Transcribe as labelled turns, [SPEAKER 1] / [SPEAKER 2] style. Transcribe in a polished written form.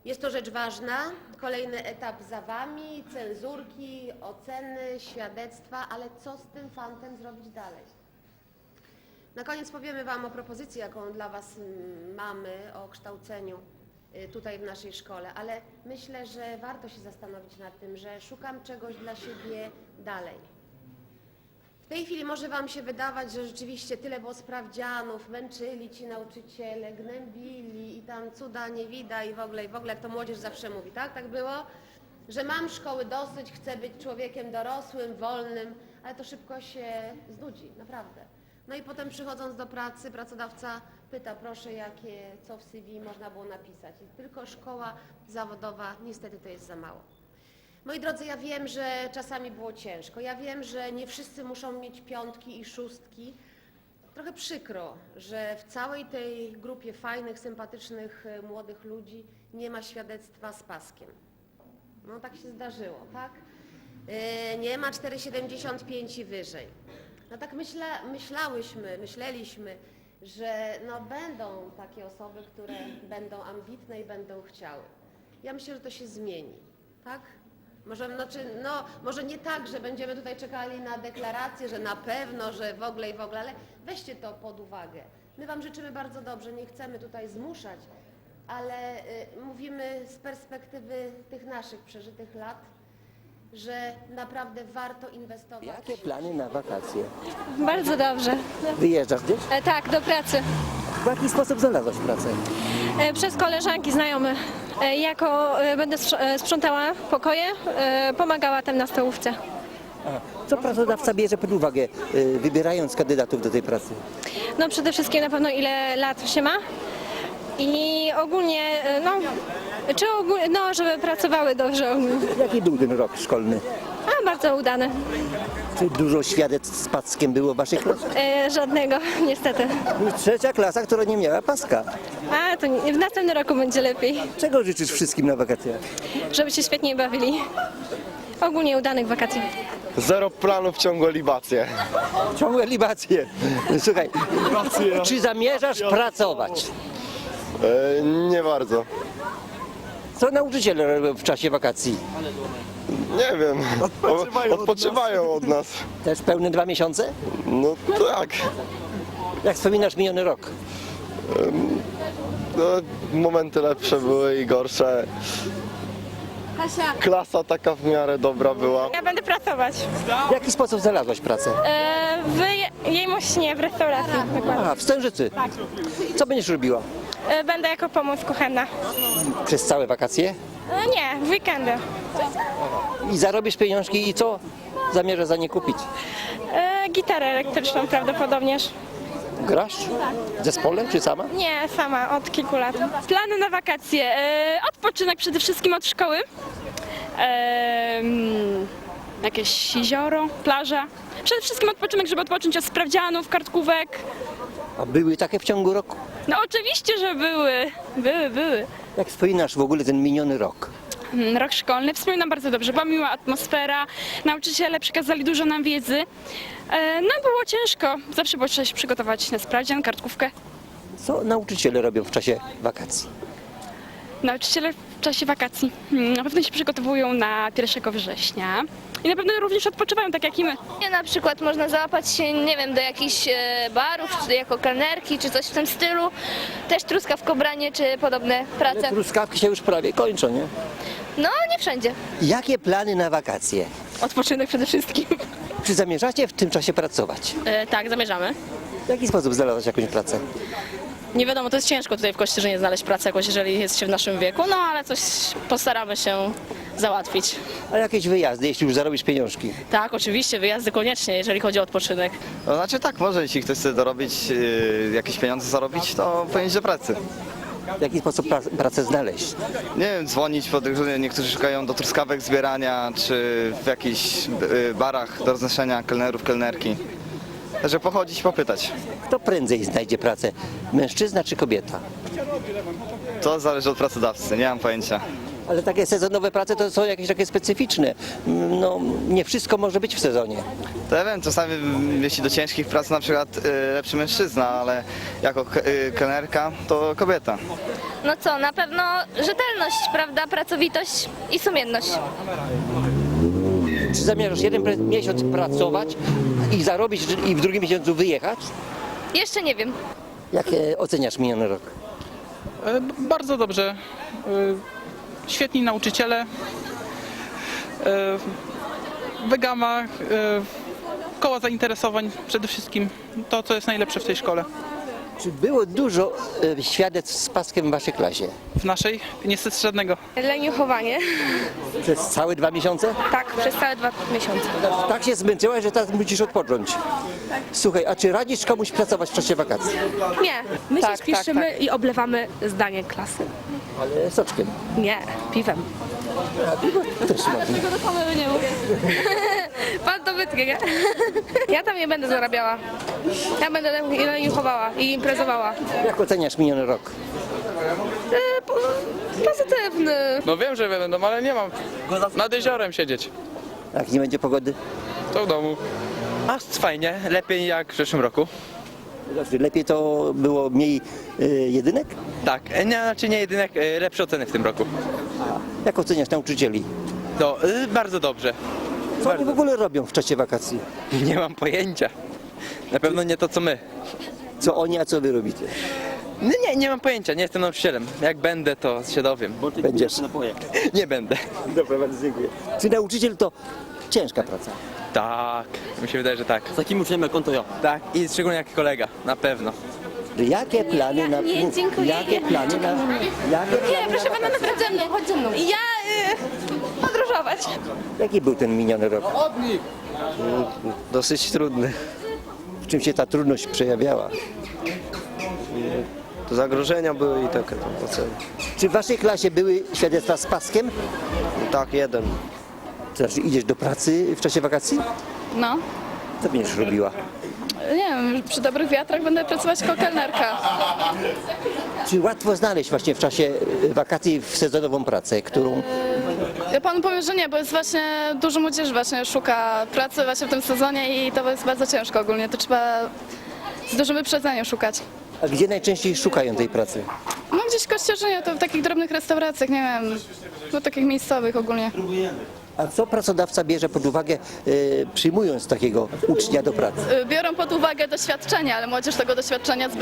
[SPEAKER 1] Jest to rzecz ważna. Kolejny etap za Wami, cenzurki, oceny, świadectwa, ale co z tym fantem zrobić dalej? Na koniec powiemy Wam o propozycji, jaką dla Was mamy, o kształceniu tutaj w naszej szkole, ale myślę, że warto się zastanowić nad tym, że szukam czegoś dla siebie dalej. W tej chwili może Wam się wydawać, że rzeczywiście tyle było sprawdzianów, męczyli ci nauczyciele, gnębili i tam cuda nie widać i w ogóle jak to młodzież zawsze mówi, tak? Tak było? Że mam szkoły dosyć, chcę być człowiekiem dorosłym, wolnym, ale to szybko się znudzi, naprawdę. No i potem przychodząc do pracy, pracodawca pyta, proszę, co w CV można było napisać. I tylko szkoła zawodowa, niestety to jest za mało. Moi drodzy, ja wiem, że czasami było ciężko. Ja wiem, że nie wszyscy muszą mieć 5 i 6. Trochę przykro, że w całej tej grupie fajnych, sympatycznych, młodych ludzi nie ma świadectwa z paskiem. No tak się zdarzyło, tak? Nie ma 4,75 i wyżej. No tak myśleliśmy, że no będą takie osoby, które będą ambitne i będą chciały. Ja myślę, że to się zmieni, tak? Może nie tak, że będziemy tutaj czekali na deklarację, że na pewno, że w ogóle, ale weźcie to pod uwagę. My Wam życzymy bardzo dobrze, nie chcemy tutaj zmuszać, ale mówimy z perspektywy tych naszych przeżytych lat, że naprawdę warto inwestować.
[SPEAKER 2] Jakie plany na wakacje?
[SPEAKER 3] Bardzo dobrze.
[SPEAKER 2] Wyjeżdżasz gdzieś?
[SPEAKER 3] Tak, do pracy.
[SPEAKER 2] W jaki sposób znalazłaś pracę?
[SPEAKER 3] Przez koleżanki, znajome. Będę sprzątała pokoje, pomagała tam na stołówce.
[SPEAKER 2] Co pracodawca bierze pod uwagę, wybierając kandydatów do tej pracy?
[SPEAKER 3] No przede wszystkim na pewno ile lat się ma i ogólnie, żeby pracowały dobrze ogólnie.
[SPEAKER 2] Jaki był ten rok szkolny?
[SPEAKER 3] Bardzo udany.
[SPEAKER 2] Czy dużo świadectw z paskiem było w waszej klasie?
[SPEAKER 3] Żadnego, niestety.
[SPEAKER 2] Trzecia klasa, która nie miała paska.
[SPEAKER 3] W następnym roku będzie lepiej,
[SPEAKER 2] Czego życzysz wszystkim na wakacjach?
[SPEAKER 3] żeby się świetnie bawili. Ogólnie udanych wakacji.
[SPEAKER 4] Zero planów, ciągłe libacje.
[SPEAKER 2] Ciągłe libacje. Słuchaj, czy zamierzasz pracować?
[SPEAKER 4] Nie bardzo.
[SPEAKER 2] Co nauczyciele robią w czasie wakacji?
[SPEAKER 4] Nie wiem. Odpoczywają od nas.
[SPEAKER 2] Też pełne 2 miesiące?
[SPEAKER 4] No tak.
[SPEAKER 2] Jak wspominasz miniony rok?
[SPEAKER 4] No, momenty lepsze były i gorsze. Klasa taka w miarę dobra była.
[SPEAKER 3] Ja będę pracować.
[SPEAKER 2] W jaki sposób znalazłaś pracę?
[SPEAKER 3] W Jejmośnie, w restauracji.
[SPEAKER 2] W Stężycy. Co będziesz robiła?
[SPEAKER 3] Będę jako pomoc kuchenna.
[SPEAKER 2] Przez całe wakacje?
[SPEAKER 3] Nie, w weekendy.
[SPEAKER 2] I zarobisz pieniążki i co zamierzasz za nie kupić?
[SPEAKER 3] Gitarę elektryczną prawdopodobnież.
[SPEAKER 2] Grasz? W zespole czy sama?
[SPEAKER 3] Nie, sama, od kilku lat.
[SPEAKER 5] Plany na wakacje. Odpoczynek przede wszystkim od szkoły. Jakieś jezioro, plaża. Przede wszystkim odpoczynek, żeby odpocząć od sprawdzianów, kartkówek.
[SPEAKER 2] A były takie w ciągu roku?
[SPEAKER 5] No oczywiście, że były. Były.
[SPEAKER 2] Jak wspominasz w ogóle ten miniony rok?
[SPEAKER 5] Rok szkolny. Wspominam bardzo dobrze. Była miła atmosfera. Nauczyciele przekazali dużo nam wiedzy. No było ciężko. Zawsze było trzeba się przygotować na sprawdzian, kartkówkę.
[SPEAKER 2] Co nauczyciele robią w czasie wakacji?
[SPEAKER 5] Nauczyciele w czasie wakacji na pewno się przygotowują na 1 września i na pewno również odpoczywają, tak jak i my.
[SPEAKER 6] Na przykład można załapać się, nie wiem, do jakichś barów, czy jako kelnerki, czy coś w tym stylu. Też truskawkobranie, czy podobne prace.
[SPEAKER 2] Truskawki się już prawie kończą, nie?
[SPEAKER 6] No, nie wszędzie.
[SPEAKER 2] Jakie plany na wakacje?
[SPEAKER 5] Odpoczynek przede wszystkim.
[SPEAKER 2] Czy zamierzacie w tym czasie pracować?
[SPEAKER 7] Tak, zamierzamy.
[SPEAKER 2] W jaki sposób znalazłaś jakąś pracę?
[SPEAKER 7] Nie wiadomo, to jest ciężko tutaj w Kościerzynie znaleźć pracę jakoś, jeżeli jest się w naszym wieku, no ale coś postaramy się załatwić.
[SPEAKER 2] A jakieś wyjazdy, jeśli już zarobisz pieniążki?
[SPEAKER 7] Tak, oczywiście, wyjazdy koniecznie, jeżeli chodzi o odpoczynek.
[SPEAKER 8] No znaczy tak, może jeśli ktoś chce dorobić, jakieś pieniądze zarobić, to powinien iść do pracy.
[SPEAKER 2] W jaki sposób pracę znaleźć?
[SPEAKER 8] Nie wiem, dzwonić pod różne, niektórzy szukają do truskawek zbierania, czy w jakichś barach do roznoszenia kelnerów, kelnerki. Także pochodzić i popytać.
[SPEAKER 2] Kto prędzej znajdzie pracę? Mężczyzna czy kobieta?
[SPEAKER 8] To zależy od pracodawcy, nie mam pojęcia.
[SPEAKER 2] Ale takie sezonowe prace to są jakieś takie specyficzne. No, nie wszystko może być w sezonie.
[SPEAKER 8] To ja wiem, czasami jeśli do ciężkich prac na przykład lepszy mężczyzna, ale jako kelnerka to kobieta.
[SPEAKER 6] No co, na pewno rzetelność, prawda, pracowitość i sumienność.
[SPEAKER 2] Czy zamierzasz jeden miesiąc pracować i zarobić i w drugim miesiącu wyjechać?
[SPEAKER 6] Jeszcze nie wiem.
[SPEAKER 2] Jak oceniasz miniony rok?
[SPEAKER 9] Bardzo dobrze. Świetni nauczyciele. Wygama, koła zainteresowań, przede wszystkim to, co jest najlepsze w tej szkole.
[SPEAKER 2] Czy było dużo świadectw z paskiem w waszej klasie?
[SPEAKER 9] W naszej niestety żadnego.
[SPEAKER 3] Leniuchowanie.
[SPEAKER 2] Przez całe 2 miesiące?
[SPEAKER 3] Tak, przez całe 2 miesiące.
[SPEAKER 2] Tak się zmęczyłaś, że teraz musisz odpocząć. Słuchaj, a czy radzisz komuś pracować w czasie wakacji?
[SPEAKER 3] Nie, my się spieszymy i oblewamy zdanie klasy.
[SPEAKER 2] Ale soczkiem.
[SPEAKER 3] Nie, piwem.
[SPEAKER 2] Też można.
[SPEAKER 3] Pan to wytnie, nie? Ja tam nie będę zarabiała. Ja będę leniuchowała i imprezowała.
[SPEAKER 2] Jak oceniasz miniony rok?
[SPEAKER 3] Pozytywny.
[SPEAKER 10] No wiem, że będą, ale nie mam nad jeziorem siedzieć.
[SPEAKER 2] Jak nie będzie pogody?
[SPEAKER 10] To w domu. A fajnie, lepiej jak w zeszłym roku.
[SPEAKER 2] Znaczy, lepiej to było mniej jedynek?
[SPEAKER 10] Tak, znaczy nie jedynek, lepsze oceny w tym roku.
[SPEAKER 2] Jak oceniasz nauczycieli?
[SPEAKER 10] To bardzo dobrze.
[SPEAKER 2] Co oni w ogóle robią w czasie wakacji?
[SPEAKER 10] Nie mam pojęcia. Na pewno nie to co my.
[SPEAKER 2] Co oni, a co wy robicie?
[SPEAKER 10] Nie mam pojęcia, nie jestem nauczycielem. Jak będę, to się dowiem.
[SPEAKER 2] Będziesz.
[SPEAKER 10] Nie będę.
[SPEAKER 2] Dobra, bardzo dziękuję. Czy nauczyciel to ciężka praca?
[SPEAKER 10] Tak, mi się wydaje, że tak.
[SPEAKER 11] Z takim uczniem jak on to ja.
[SPEAKER 10] Tak, i szczególnie jak kolega, na pewno.
[SPEAKER 2] Jakie plany na...
[SPEAKER 6] Nie, dziękuję.
[SPEAKER 2] Jakie plany na... Jakie plany
[SPEAKER 6] Proszę pana, naprawdę ze mną, chodź ze mną. Ja podróżować.
[SPEAKER 2] Jaki był ten miniony rok?
[SPEAKER 4] Dosyć trudny.
[SPEAKER 2] W czym się ta trudność przejawiała?
[SPEAKER 4] To zagrożenia były i takie tam oceny.
[SPEAKER 2] Czy w waszej klasie były świadectwa z paskiem?
[SPEAKER 4] Tak, jeden.
[SPEAKER 2] To znaczy idziesz do pracy w czasie wakacji?
[SPEAKER 5] No,
[SPEAKER 2] Co będziesz robiła?
[SPEAKER 5] nie wiem, przy dobrych wiatrach będę pracować jako kelnerka.
[SPEAKER 2] Czy łatwo znaleźć właśnie w czasie wakacji w sezonową pracę, którą...
[SPEAKER 5] Ja panu powiem, że nie, bo jest właśnie dużo młodzieży właśnie szuka pracy właśnie w tym sezonie i to jest bardzo ciężko ogólnie. To trzeba z dużym wyprzedzeniem szukać.
[SPEAKER 2] A gdzie najczęściej szukają tej pracy?
[SPEAKER 5] No gdzieś w Kościerzynie, to w takich drobnych restauracjach, nie wiem, no takich miejscowych ogólnie.
[SPEAKER 2] A co pracodawca bierze pod uwagę, przyjmując takiego ucznia do pracy?
[SPEAKER 5] Biorą pod uwagę doświadczenie, ale młodzież tego doświadczenia